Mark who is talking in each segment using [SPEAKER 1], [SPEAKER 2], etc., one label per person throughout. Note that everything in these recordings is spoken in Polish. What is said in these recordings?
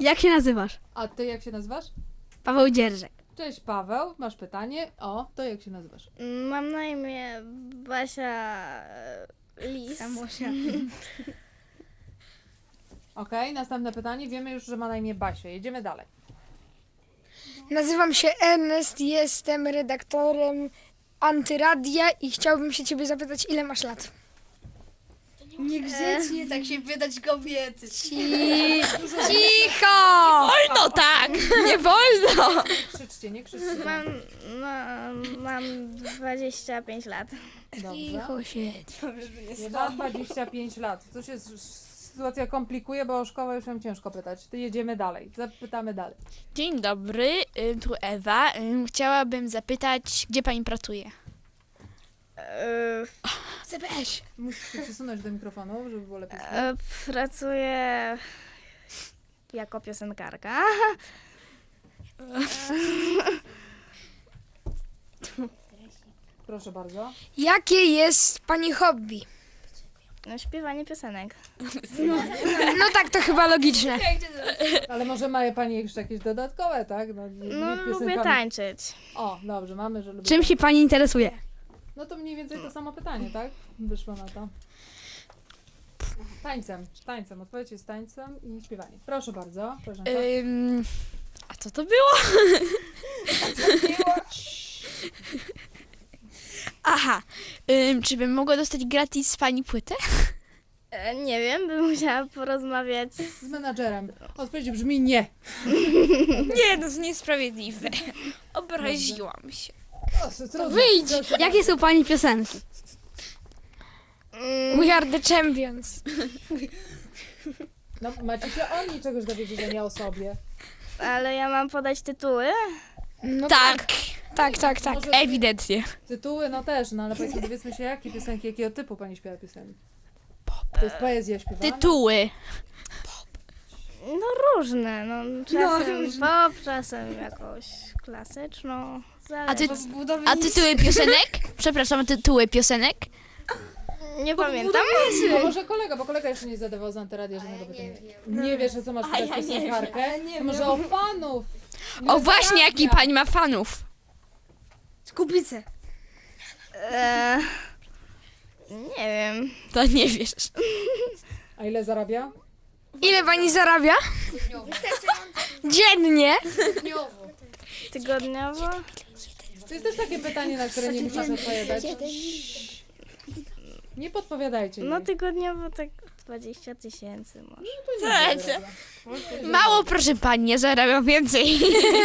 [SPEAKER 1] Jak się nazywasz?
[SPEAKER 2] A ty jak się nazywasz?
[SPEAKER 1] Paweł Dzierżek.
[SPEAKER 2] Cześć Paweł, masz pytanie? O, to jak się nazywasz?
[SPEAKER 3] Mam na imię Basia Lis.
[SPEAKER 2] Okej, następne pytanie. Wiemy już, że ma na imię Basia. Jedziemy dalej.
[SPEAKER 4] Nazywam się Ernest, jestem redaktorem Antyradia i chciałbym się ciebie zapytać, ile masz lat?
[SPEAKER 5] Niegrzecznie tak się wydać kobiety.
[SPEAKER 4] Cicho!
[SPEAKER 5] No tak, nie wolno.
[SPEAKER 2] Nie krzyczcie.
[SPEAKER 3] Mam 25 lat.
[SPEAKER 2] Dobrze.
[SPEAKER 4] siedź.
[SPEAKER 2] Nie ma 25 lat. Co się sytuacja komplikuje, bo o szkołę już nam ciężko pytać. To jedziemy dalej. Zapytamy dalej.
[SPEAKER 5] Dzień dobry, tu Ewa. Chciałabym zapytać, gdzie pani pracuje?
[SPEAKER 4] CBS.
[SPEAKER 2] Musisz się przesunąć do mikrofonu, żeby było lepiej.
[SPEAKER 3] Pracuję jako piosenkarka.
[SPEAKER 2] Proszę bardzo.
[SPEAKER 4] Jakie jest pani hobby?
[SPEAKER 3] Śpiewanie piosenek.
[SPEAKER 4] No tak, to chyba logiczne.
[SPEAKER 2] Ale może ma pani jeszcze jakieś dodatkowe, tak? No,
[SPEAKER 3] Lubię
[SPEAKER 2] piosenkami.
[SPEAKER 3] tańczyć.
[SPEAKER 2] O, dobrze, mamy, że lubię.
[SPEAKER 1] Czym się pani interesuje?
[SPEAKER 2] No to mniej więcej to samo pytanie, tak? Wyszło na to. Tańcem. Odpowiedź jest tańcem i śpiewaniem. Proszę bardzo. Proszę.
[SPEAKER 5] A co to było? Aha, czy bym mogła dostać gratis z pani płytę?
[SPEAKER 3] Nie wiem, bym musiała porozmawiać
[SPEAKER 2] Z menadżerem. Odpowiedź brzmi nie.
[SPEAKER 5] Nie, to jest niesprawiedliwe. Obraziłam się.
[SPEAKER 1] Wyjdź! Jakie są pani piosenki?
[SPEAKER 4] We are the champions.
[SPEAKER 2] No, macie się o niej czegoś dowiedzieć, a nie o sobie.
[SPEAKER 3] Ale ja mam podać tytuły?
[SPEAKER 4] No
[SPEAKER 5] Tak,
[SPEAKER 4] tak.
[SPEAKER 2] Może
[SPEAKER 5] ewidentnie.
[SPEAKER 2] tytuły, no też, no ale powiedzmy, dowiedzmy się, jakie piosenki, jakiego typu pani śpiewa piosenki. To jest poezja śpiewana?
[SPEAKER 5] Tytuły.
[SPEAKER 3] No różne, czasem pop, czasem jakąś klasyczną.
[SPEAKER 5] A tytuły piosenek? Przepraszam, a tytuły piosenek?
[SPEAKER 3] Nie pamiętam.
[SPEAKER 2] A może kolega, bo kolega jeszcze nie zadawał z Antyradia żadnego pytania. Nie wiesz, o co masz pytać piosenkarkę? To może o fanów.
[SPEAKER 5] O właśnie, jaki pani ma fanów.
[SPEAKER 4] Kubice.
[SPEAKER 3] Nie wiem.
[SPEAKER 5] To nie wiesz.
[SPEAKER 2] A ile zarabia?
[SPEAKER 4] Ile pani zarabia? Dziennie.
[SPEAKER 3] Tygodniowo?
[SPEAKER 2] To jest też takie pytanie, na które nie musisz odpowiadać. Nie podpowiadajcie jej.
[SPEAKER 3] No tygodniowo tak 20 000 może.
[SPEAKER 5] Mało, proszę pani, ja zarabiam więcej.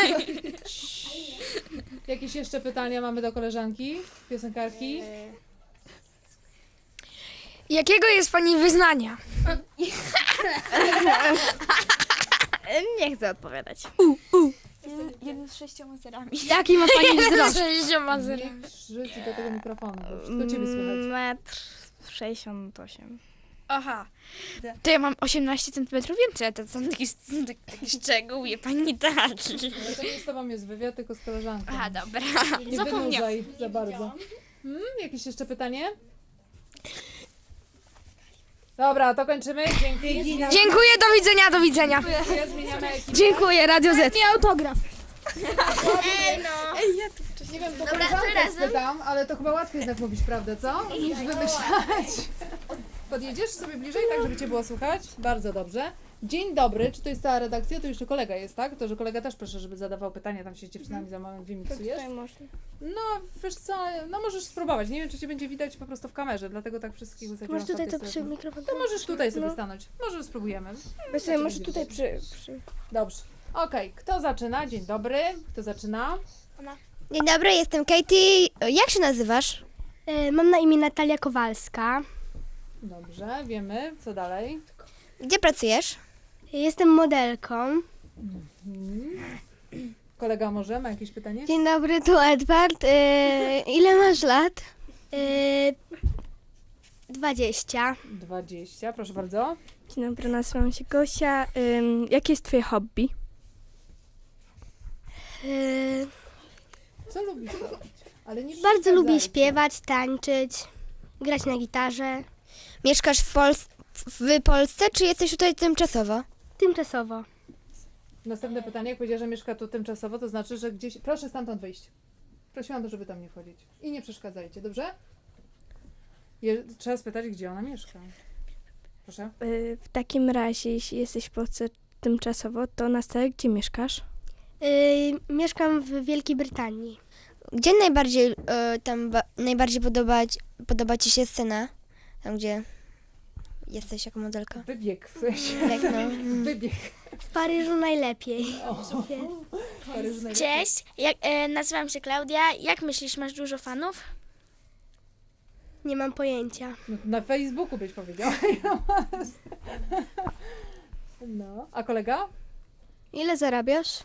[SPEAKER 2] Jakieś jeszcze pytania mamy do koleżanki, piosenkarki?
[SPEAKER 4] Jakiego jest pani wyznania?
[SPEAKER 3] Nie chcę odpowiadać.
[SPEAKER 5] Jeden z 6 zerami.
[SPEAKER 1] Jaki ma pani wzrost?
[SPEAKER 2] Żyć do tego mikrofonu, bo wszystko ciebie słychać.
[SPEAKER 3] 1,68 m.
[SPEAKER 5] Aha. To ja mam 18 cm więcej, a to są taki szczegół, wie pani taki.
[SPEAKER 2] Ale to nie z tobą jest wywiad, tylko z koleżanką.
[SPEAKER 5] Aha, dobra.
[SPEAKER 2] Nie wynurzaj za bardzo. Jakieś jeszcze pytanie? Dobra, to kończymy. Dzięki.
[SPEAKER 4] Dziękuję, do widzenia.
[SPEAKER 2] Zmieniamy ekipę.
[SPEAKER 1] Dziękuję, Radio Z.
[SPEAKER 4] Nie autograf.
[SPEAKER 2] Nie wiem, bo koleżankę spytam, ale to chyba łatwiej jednak mówić prawdę, co? Niż wymyślać. Podjedziesz sobie bliżej, tak żeby cię było słychać? Bardzo dobrze. Dzień dobry, czy to jest cała redakcja? To jeszcze kolega jest, tak? To, że kolega też proszę, żeby zadawał pytania, tam się z dziewczynami za moment wymiksujesz. No, wiesz co, no możesz spróbować. Nie wiem, czy cię będzie widać po prostu w kamerze, dlatego tak wszystkich wysadziłam.
[SPEAKER 4] Masz tutaj
[SPEAKER 2] w
[SPEAKER 4] to
[SPEAKER 2] takie
[SPEAKER 4] przy
[SPEAKER 2] strefy.
[SPEAKER 4] mikrofon.
[SPEAKER 2] To możesz tutaj sobie stanąć. Może spróbujemy.
[SPEAKER 4] Właśnie, masz tutaj przy...
[SPEAKER 2] Dobrze. Okej, kto zaczyna? Dzień dobry. Kto zaczyna?
[SPEAKER 6] Dzień dobry, jestem Katie. Jak się nazywasz?
[SPEAKER 7] Mam na imię Natalia Kowalska.
[SPEAKER 2] Dobrze, wiemy. Co dalej?
[SPEAKER 6] Gdzie pracujesz?
[SPEAKER 7] Jestem modelką.
[SPEAKER 2] Kolega może ma jakieś pytanie?
[SPEAKER 7] Dzień dobry, tu Edward. Ile masz lat? 20.
[SPEAKER 2] 20, proszę bardzo.
[SPEAKER 8] Dzień dobry, nazywam się Gosia. Jakie jest twoje hobby?
[SPEAKER 2] Co lubisz robić? Ale nie
[SPEAKER 7] Bardzo
[SPEAKER 2] przeszkadzajcie.
[SPEAKER 7] lubię śpiewać, tańczyć, grać na gitarze.
[SPEAKER 6] Mieszkasz w Polsce, czy jesteś tutaj tymczasowo?
[SPEAKER 7] Tymczasowo.
[SPEAKER 2] Następne pytanie, jak powiedziała, że mieszka tu tymczasowo, to znaczy, że gdzieś... Proszę stamtąd wyjść. Prosiłam, żeby tam nie wchodzić. I nie przeszkadzajcie, dobrze? Trzeba spytać, gdzie ona mieszka. Proszę.
[SPEAKER 8] W takim razie, jeśli jesteś w Polsce tymczasowo, to na stałe gdzie mieszkasz?
[SPEAKER 7] Mieszkam w Wielkiej Brytanii.
[SPEAKER 6] Gdzie najbardziej podoba Ci się scena? Tam, gdzie jesteś jako modelka?
[SPEAKER 2] Wybieg w sensie.
[SPEAKER 6] Jak no?
[SPEAKER 2] Wybieg.
[SPEAKER 7] W Paryżu najlepiej.
[SPEAKER 2] Paryż najlepiej.
[SPEAKER 5] Cześć, nazywam się Klaudia. Jak myślisz, masz dużo fanów?
[SPEAKER 7] Nie mam pojęcia.
[SPEAKER 2] No, na Facebooku byś powiedziała. No, a kolega?
[SPEAKER 7] Ile zarabiasz?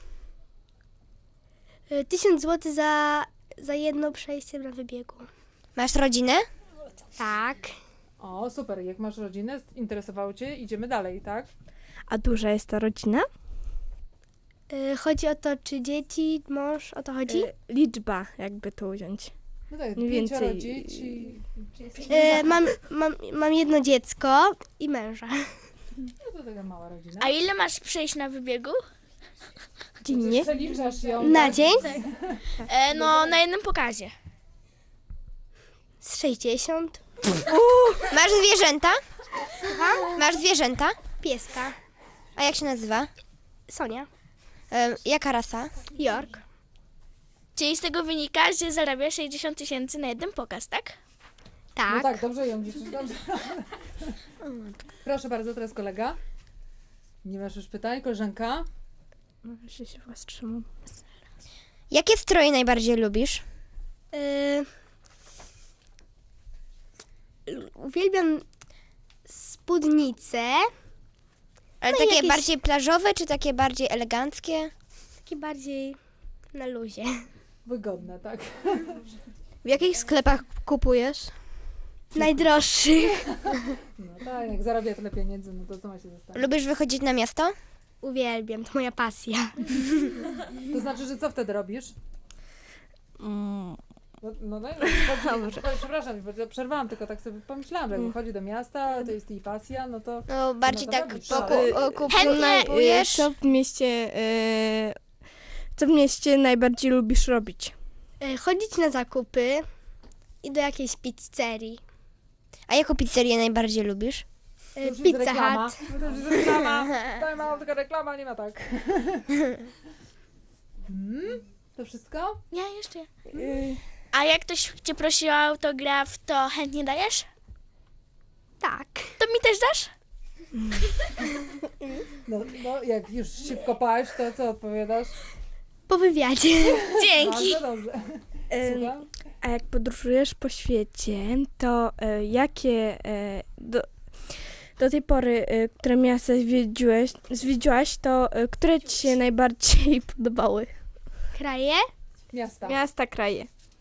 [SPEAKER 7] 1000 zł za jedno przejście na wybiegu.
[SPEAKER 6] Masz rodzinę?
[SPEAKER 7] Tak.
[SPEAKER 2] O, super. Jak masz rodzinę, interesowało Cię, idziemy dalej, tak?
[SPEAKER 8] A duża jest ta rodzina?
[SPEAKER 7] Chodzi o to, czy dzieci, mąż, o to chodzi?
[SPEAKER 8] Liczba, jakby to ująć.
[SPEAKER 2] No tak,
[SPEAKER 8] Mniej
[SPEAKER 2] 5
[SPEAKER 8] więcej.
[SPEAKER 2] dzieci.
[SPEAKER 7] Mam jedno dziecko i męża.
[SPEAKER 2] No to taka mała rodzina.
[SPEAKER 5] A ile masz przejść na wybiegu?
[SPEAKER 8] Dziennie?
[SPEAKER 2] Przeliczasz ją.
[SPEAKER 7] Na
[SPEAKER 2] tak?
[SPEAKER 7] dzień?
[SPEAKER 5] No, na jednym pokazie.
[SPEAKER 7] Z 60.
[SPEAKER 6] Masz zwierzęta? Masz zwierzęta?
[SPEAKER 7] Pieska.
[SPEAKER 6] A jak się nazywa?
[SPEAKER 7] Sonia.
[SPEAKER 6] Jaka rasa?
[SPEAKER 7] York.
[SPEAKER 5] Czyli z tego wynika, że zarabiasz 60 000 na jeden pokaz, tak?
[SPEAKER 7] Tak.
[SPEAKER 2] No tak, dobrze ją liczysz, dobrze. Proszę bardzo, teraz kolega. Nie masz już pytań, koleżanka?
[SPEAKER 8] No, że się wstrzymam.
[SPEAKER 6] Jakie stroje najbardziej lubisz?
[SPEAKER 7] Uwielbiam spódnice.
[SPEAKER 6] Ale
[SPEAKER 7] No i
[SPEAKER 6] takie
[SPEAKER 7] jakieś-
[SPEAKER 6] bardziej plażowe, czy takie bardziej eleganckie?
[SPEAKER 7] Takie bardziej na luzie.
[SPEAKER 2] Wygodne, tak?
[SPEAKER 7] W jakich sklepach kupujesz? Najdroższych.
[SPEAKER 2] No tak, jak zarabia tyle pieniędzy, no to co ma się zostawić?
[SPEAKER 6] Lubisz wychodzić na miasto?
[SPEAKER 7] Uwielbiam, to moja pasja.
[SPEAKER 2] To znaczy, że co wtedy robisz? No daj, przepraszam, bo przerwałam, tylko tak sobie pomyślałam, że jak wychodzi do miasta, to jest jej pasja, no to...
[SPEAKER 6] No bardziej
[SPEAKER 2] to
[SPEAKER 6] tak
[SPEAKER 2] robisz.
[SPEAKER 6] kupujesz.
[SPEAKER 8] Co w mieście najbardziej lubisz robić?
[SPEAKER 7] Chodzić na zakupy i do jakiejś pizzerii.
[SPEAKER 6] A jaką pizzerię najbardziej lubisz?
[SPEAKER 2] To już jest
[SPEAKER 7] Pizza
[SPEAKER 2] reklama.
[SPEAKER 7] Hut.
[SPEAKER 2] No to już jest reklama. Daj mało, tylko reklama, nie ma tak. To wszystko?
[SPEAKER 5] Nie, jeszcze. A jak ktoś cię prosi o autograf, to chętnie dajesz?
[SPEAKER 7] Tak.
[SPEAKER 5] To mi też dasz?
[SPEAKER 2] No, jak już się wkopałeś, to co odpowiadasz?
[SPEAKER 7] Po wywiadzie.
[SPEAKER 5] Dzięki.
[SPEAKER 2] Bardzo dobrze. Słucham?
[SPEAKER 8] A jak podróżujesz po świecie, to jakie do tej pory, które miasta zwiedziłaś, to które ci się najbardziej podobały?
[SPEAKER 7] Kraje?
[SPEAKER 2] Miasta.
[SPEAKER 8] Miasta, kraje.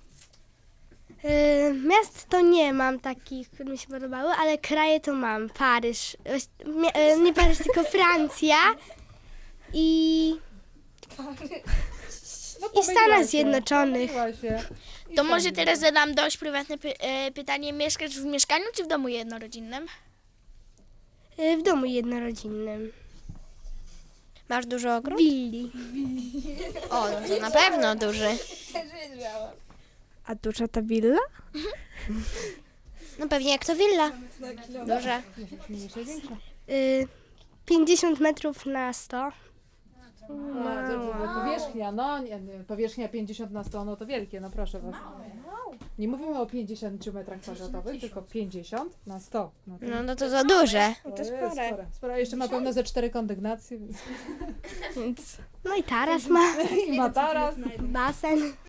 [SPEAKER 7] Miast to nie mam takich, które mi się podobały, ale kraje to mam. Paryż. Nie Paryż, tylko Francja. I
[SPEAKER 2] No,
[SPEAKER 7] I
[SPEAKER 2] pomyliła
[SPEAKER 7] Stanach
[SPEAKER 2] się,
[SPEAKER 7] Zjednoczonych.
[SPEAKER 2] pomyliła się. I
[SPEAKER 5] To może
[SPEAKER 2] Stanów
[SPEAKER 5] teraz zadam dość prywatne pytanie. Mieszkasz w mieszkaniu czy w domu jednorodzinnym?
[SPEAKER 7] w domu jednorodzinnym.
[SPEAKER 6] Masz dużo ogród?
[SPEAKER 7] Willi.
[SPEAKER 6] O, no to na pewno duży.
[SPEAKER 8] A duża ta willa?
[SPEAKER 6] No pewnie jak to willa. Duża.
[SPEAKER 2] mniejsze, większe.
[SPEAKER 7] 50 metrów na 100.
[SPEAKER 2] Powierzchnia, no nie, powierzchnia 50 na 100, no to wielkie, no proszę was. Nie mówimy o 50 metrach kwadratowych, tylko 50 na 100. No to,
[SPEAKER 6] No to za duże.
[SPEAKER 2] to jest spore. Jeszcze ma pewno ze 4 kondygnacje, więc...
[SPEAKER 7] No i taras ma.
[SPEAKER 2] I ma taras.
[SPEAKER 7] Basen.